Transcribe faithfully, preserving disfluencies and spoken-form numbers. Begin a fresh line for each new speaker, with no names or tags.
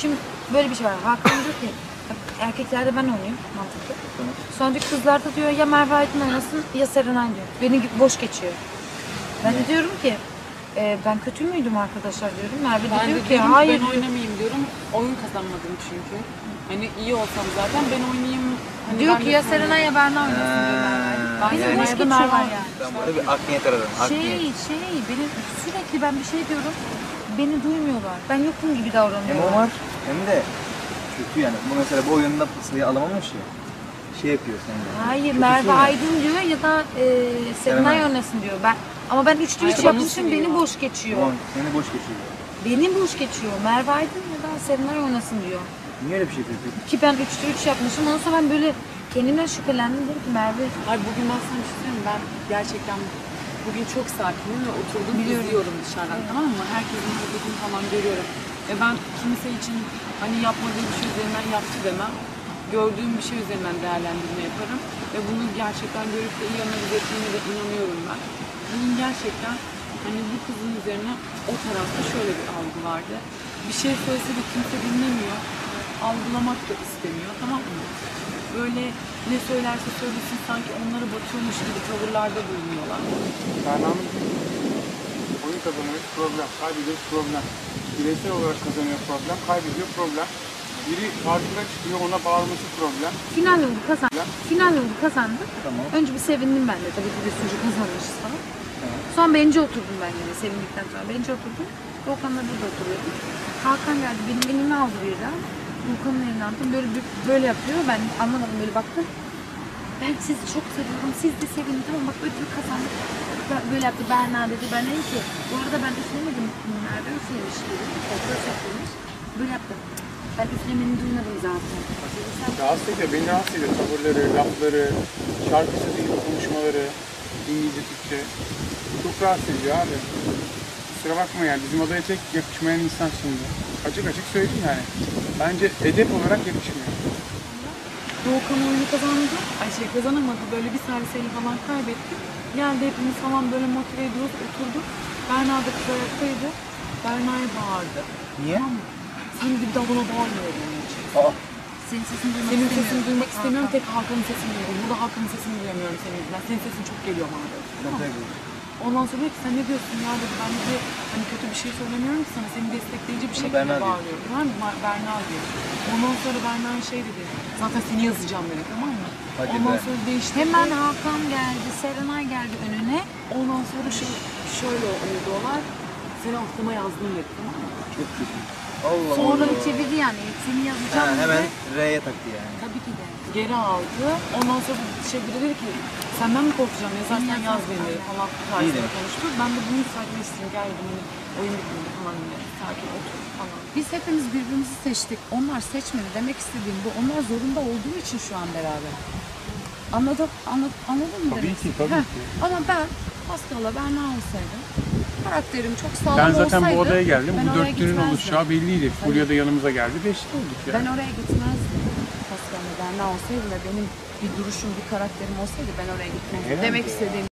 Şimdi böyle bir şey var. Hakan diyor ki erkeklerde ben oynayayım mantıklı. Sonra diyor kızlarda diyor ya Merve Aydın oynasın ya Serenay diyor. Beni boş geçiyor. Ben de diyorum ki e, ben kötü müydüm arkadaşlar diyorum. Merve de
Ben
diyor
de
ki hayır.
Ben oynamayayım diyorum. Oyun kazanmadım çünkü. Hani iyi olsam zaten ben oynayayım. Hani
Diyor
ben
ki
de
ya
sonra-
Serenay ya Berna oynasın diyor Merve.
Ben
Beni
yani
boş
Merve
geçiyorlar
Merve.
yani.
Ben burada bir art niyet aradım. Art
Şey
niyet.
şey benim sürekli ben bir şey diyorum. Beni duymuyorlar. Ben yokum gibi
Hem
davranıyorlar.
o var hem de kötü yani. Bu mesela bu oyunda sayı alamamış ya. Şey yapıyor seninle.
Hayır
Kötüsü
Merve
ya.
Aydın diyor ya da e, Serenay
Serenay.
oynasın diyor. Ben ama ben üçte üç
Hayır,
yapmışım
onu
beni
seviyor.
boş geçiyor.
Tamam, seni boş geçiyor.
Beni boş geçiyor. Merve Aydın ya da Serenay oynasın diyor.
Niye öyle bir şey yapıyor peki?
Ki ben üçte üç yapmışım. Ondan sonra ben böyle kendimden şüphelendim. Dedim ki Merve
Ay bugün ben sana bir şey söyleyeyim mi? Ben gerçekten bugün çok sakinim ve oturdum
Biliyorum.
izliyorum dışarıdan, tamam mı? Herkesin hareketini falan görüyorum. Ve ben kimse için hani yapmadığı bir şey üzerinden yaptı demem. Gördüğüm bir şey üzerinden değerlendirme yaparım. Ve bunu gerçekten görüp de iyi analiz ettiğine de inanıyorum ben. Bunun gerçekten hani bu kızın üzerine o tarafta şöyle bir algı vardı. Bir şey söylese de kimse dinlemiyor. Algılamak da istemiyor, tamam mı? Böyle ne söylerse söylesin sanki onları batıyormuş gibi tavırlarda bulunuyorlar.
Berna'nın oyun kazanıyor problem, kaybediyor problem. Bireysel olarak kazanıyor problem, kaybediyor problem. Biri karşına çıkıyor, ona bağırması problem.
final yolu kazandık. Final yolu kazandık.
Tamam.
Önce bir sevindim ben de. Tabii ki bir sürü kazanmışız falan. Sonra birinci oturdum ben yine sevindikten sonra. Birinci oturdum. Volkan'la burada oturuyordum. Hakan geldi benim elimi aldı birden. Volkan'ın elini aldım. Böyle böyle yapıyor. Ben anlamadım böyle baktım. Ben sizi çok seviyorum. Siz de sevin. Tamam bak ödül kazandık. Ben- Böyle yaptı. Berna dedi. Ben dedim ki bu arada ben üflemedim. Nerede üflemiş dedim. Fotoğraf üflemiş. Böyle yaptı. Ben üflemeni duymadım zaten. Sen
Rahatsız ediyor, beni rahatsız ediyor. Tavırları, lafları, şarkı sözü gibi konuşmaları, İngilizce, Türkçe. Çok rahatsız ediyor abi. Kusura bakma yani, bizim odaya tek yakışmayan insan şimdi. Açık açık söyleyeyim yani. Bence edep olarak yakışmıyor.
Doğukan oyunu kazandı. Ay şey kazanamadı. Böyle bir serviseli falan kaybettik. Geldi hepimiz falan böyle motive ediyoruz. Oturduk. Berna da kız ayaktaydı. Berna'ya bağırdı.
Niye?
Tamam mı? Sen de bir daha bana bağırmıyor onun için.
Aa,
senin sesini duymak
Senin
istemiyorum.
sesini duymak
Tek
istemiyorum.
Hakan.
Tek Hakan'ın sesini duyuyorum. Burada Hakan'ın sesini duyamıyorum senin yüzünden. Senin sesin çok geliyor bana dedi. Tamam mı? Ondan sonra dedi ki sen ne diyorsun ya dedi. Ben de hani kötü bir şey söylemiyorum ki sana. Seni destekleyici bir
Bunu
şekilde
Berna diyor.
bağırıyorum. Tamam mı? Ma- Berna diyor. Ondan sonra Berna şey dedi. Zaten seni yazacağım dedi, tamam mı?
Hadi
Ondan
be.
sonra değişti.
Hemen Hakan geldi, Serenay geldi önüne.
Ondan sonra şu, şöyle oldu olay. Seni aklıma yazdım dedi, tamam mı?
çok kötü. Allah
Sonra
Allah.
çevirdi yani. Seni
Ha,
yazacağım
hemen
dedi.
R'ye taktı yani.
Tabii ki de.
Geri aldı. Ondan sonra şey biri dedi ki senden mi korkacağım yazarsan
Seni
yaz
yazarsan
beni
yaz.
falan
İyi
tarzında
demiş.
konuştu. Ben de bunu sakinleştirdim. Gel dedim hani oyun bitmedi falan diye. Sakin otur falan.
Biz hepimiz birbirimizi seçtik. Onlar seçmedi. Demek istediğim bu. Onlar zorunda olduğu için şu an beraber. Anladın, anladın, anladın mı?
Tabii
demek
ki,
istediğimi?
tabii
Heh.
ki.
Ama ben Pascal'la Berna olsaydım, karakterim çok sağlam
Ben
olsaydı...
zaten bu odaya geldim.
ben
Bu
oraya
dörtlünün
gitmezdim.
oluşacağı belliydi. Fulya da yanımıza geldi. Beşli olduk ya.
Ben oraya gitmezdim. Pascal'la Berna olsaydı ve benim bir duruşum, bir karakterim olsaydı ben oraya gitmezdim.
Herhalde
Demek
ya.
istediğim